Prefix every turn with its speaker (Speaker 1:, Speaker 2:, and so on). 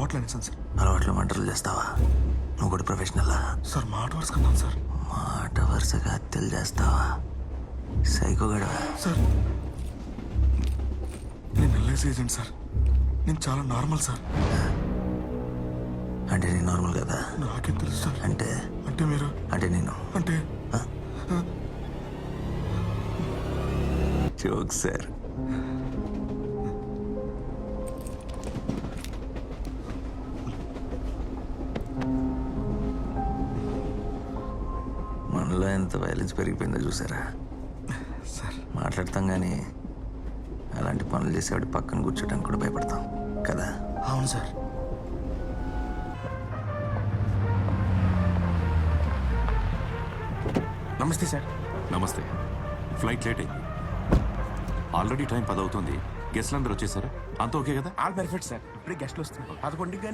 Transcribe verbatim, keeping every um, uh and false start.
Speaker 1: అలవాట్లు అనేసాను సార్.
Speaker 2: అలవాట్లు మంటలు చేస్తావా? నువ్వు కూడా ప్రొఫెషనల్లా?
Speaker 1: సార్ మాట వరుస కన్నాను సార్.
Speaker 2: మాట వరుసగా హత్యలు చేస్తావా? సైకో గడవా?
Speaker 1: సార్ నేను ఎల్ఐసి ఏజెంట్ సార్. నేను చాలా నార్మల్ సార్.
Speaker 2: అంటే నేను నార్మల్ కదా?
Speaker 1: నాకేం తెలుసు సార్.
Speaker 2: అంటే
Speaker 1: అంటే మీరు
Speaker 2: అంటే నేను
Speaker 1: అంటే
Speaker 2: జోక్ సార్. మనలో ఎంత వైలెన్స్ పెరిగిపోయిందో చూసారా
Speaker 1: సార్?
Speaker 2: మాట్లాడతాం కానీ అలాంటి పనులు చేసేవాడి పక్కన కూర్చోడానికి కూడా భయపడతాం కదా?
Speaker 1: అవును సార్. నమస్తే సార్.
Speaker 3: నమస్తే. ఫ్లైట్ లేట్ అయింది. ఆల్రెడీ టైం పది అవుతుంది. గెస్ట్లు అందరూ వచ్చేసారా? అంతా ఓకే కదా?
Speaker 1: All perfect sir. ఇప్పుడే గెస్ట్లు వస్తున్నారు. పదకొండుకి